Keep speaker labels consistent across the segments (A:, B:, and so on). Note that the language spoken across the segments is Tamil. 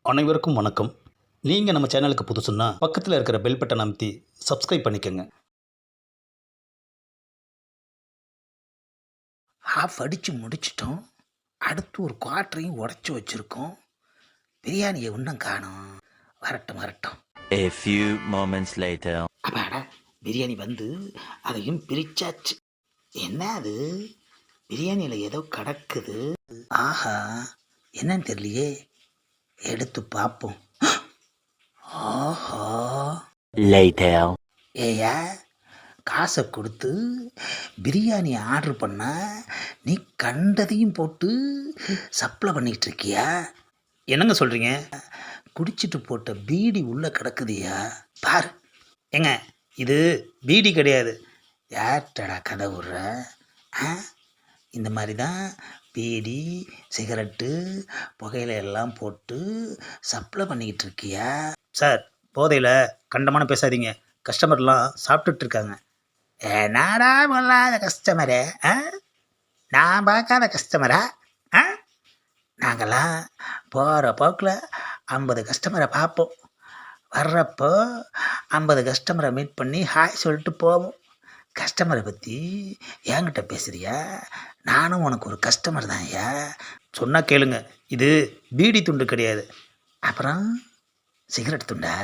A: அனைவருக்கும் வணக்கம். நீங்கள் நம்ம சேனலுக்கு புதுசுன்னா பக்கத்தில் இருக்கிற பெல் பட்டன் அமைத்தி சப்ஸ்கிரைப் பண்ணிக்கோங்க.
B: ஹாஃப் அடித்து முடிச்சிட்டோம். அடுத்து ஒரு குவார்ட்டரையும் உடச்சி வச்சுருக்கோம். பிரியாணியை இன்னும் காணோம். வரட்டும் வரட்டும்.
C: A few moments later.
B: அப்பாடா, பிரியாணி வந்து அதையும் பிரிச்சாச்சு. என்ன அது, பிரியாணியில் ஏதோ கிடக்குது. ஆஹா, என்னன்னு தெரியலையே. எடுத்து பார்ப்போம். ஆஹா,
C: Later.
B: ஏயா, காசை கொடுத்து பிரியாணி ஆர்டர் பண்ணா நீ கண்டதையும் போட்டு சப்ளை பண்ணிக்கிட்டு இருக்கியா?
A: என்னங்க சொல்கிறீங்க?
B: குடிச்சிட்டு போட்ட பீடி உள்ளே கிடக்குதியா பாரு.
A: ஏங்க, இது பீடி கிடையாது.
B: யார்டா கதை விடுற? இந்த மாதிரி தான் பீடி சிகரெட்டு புகையில எல்லாம் போட்டு சப்ளை பண்ணிக்கிட்டு இருக்கியா?
A: சார், போதையில் கண்டமான பேசாதீங்க. கஸ்டமர்லாம் சாப்பிட்டுட்டு இருக்காங்க.
B: என்னடா பொல்லாத கஸ்டமரு, நான் பார்க்காத கஸ்டமரா? நாங்கள்லாம் போகிற போக்கில் 50 கஸ்டமரை பார்ப்போம். வர்றப்போ 50 கஸ்டமரை மீட் பண்ணி ஹாய் சொல்லிட்டு போவோம். கஸ்டமரை பற்றி என்கிட்ட பேசுறியா? நானும் உனக்கு ஒரு கஸ்டமர் தான் ஐயா.
A: சொன்னால் கேளுங்க, இது பீடி துண்டு கிடையாது.
B: அப்புறம் சிகரெட் துண்டா?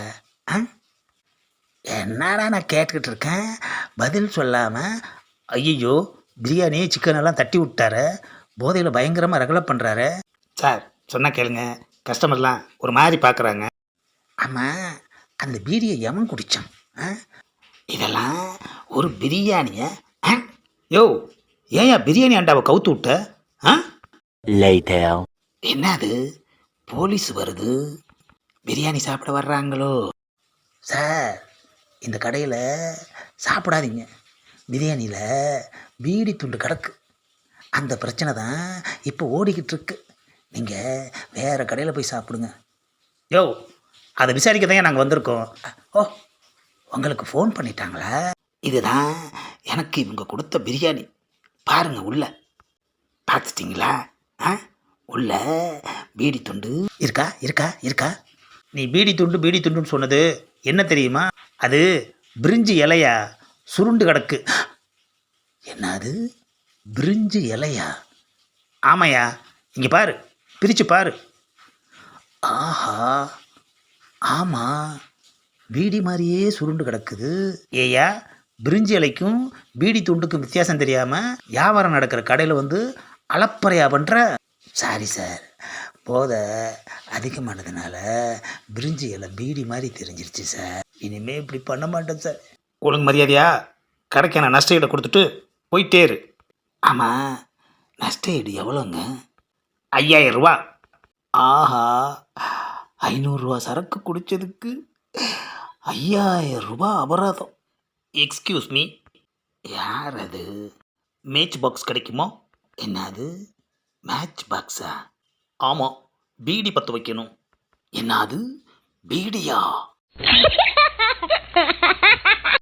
B: என்னடா நான் கேட்டுக்கிட்டு இருக்கேன், பதில் சொல்லாமல்.
A: ஐயோ, பிரியாணி சிக்கன் எல்லாம் தட்டி விட்டாரு.
B: போதையில் பயங்கரமாக ரகலை பண்ணுறாரு.
A: சார், சொன்னால் கேளுங்க, கஸ்டமர்லாம் ஒரு மாதிரி பார்க்குறாங்க.
B: ஆமாம், அந்த பீடியை எவன் குடித்தான்? இதெல்லாம் ஒரு பிரியாணியை?
A: யோ, ஏன் பிரியாணி அண்டாவை கவுத்து விட்ட?
C: Later.
B: என்னது, போலீஸ் வருது, பிரியாணி சாப்பிட வர்றாங்களோ? சார், இந்த கடையில் சாப்பிடாதீங்க. பிரியாணியில் பீடி துண்டு கிடக்கு. அந்த பிரச்சனை தான் இப்போ ஓடிக்கிட்டு இருக்கு. நீங்கள் வேறு கடையில் போய் சாப்பிடுங்க.
A: யோ, அதை விசாரிக்க தான் நாங்கள் வந்திருக்கோம்.
B: ஓ, உங்களுக்கு ஃபோன் பண்ணிட்டாங்களா? இதுதான் எனக்கு இவங்க கொடுத்த பிரியாணி. பாருங்கள், உள்ள பார்த்துட்டிங்களா? உள்ள பீடி துண்டு இருக்கா இருக்கா இருக்கா?
A: நீ பீடி துண்டுன்னு சொன்னது என்ன தெரியுமா? அது பிரிஞ்சி இலையா, சுருண்டு கிடக்கு.
B: என்னது, பிரிஞ்சு இலையா?
A: ஆமாயா, இங்கே பாரு, பிரித்து பாரு.
B: ஆஹா, ஆமாம், பீடி மாதிரியே சுருண்டு கிடக்குது.
A: ஏயா, பிரிஞ்சி இலைக்கும் பீடி துண்டுக்கும் வித்தியாசம் தெரியாமல் வியாபாரம் நடக்கிற கடையில் வந்து அளப்பறையா பண்ணுற?
B: சாரி சார், போதை அதிகமானதுனால பிரிஞ்சி இலை பீடி மாதிரி தெரிஞ்சிருச்சு சார். இனிமேல் இப்படி பண்ண மாட்டேன் சார்.
A: ஒழுங்கு மரியாதையா கடைக்கான நஷ்ட ஈடை கொடுத்துட்டு போயிட்டே இரு.
B: ஆமாம், நஷ்ட ஈடு எவ்வளோங்க?
A: 5000 ரூபா.
B: ஆஹா, 500 ரூபா சரக்கு குடித்ததுக்கு 5000 ரூபா அபராதம்.
A: எக்ஸ்கியூஸ் மீ,
B: யார் அது?
A: மேட்ச் பாக்ஸ் கிடைக்குமோ?
B: என்னது, மேட்ச் பாக்ஸா?
A: ஆமாம், பீடி பற்ற வைக்கணும்.
B: என்னது, பீடியா?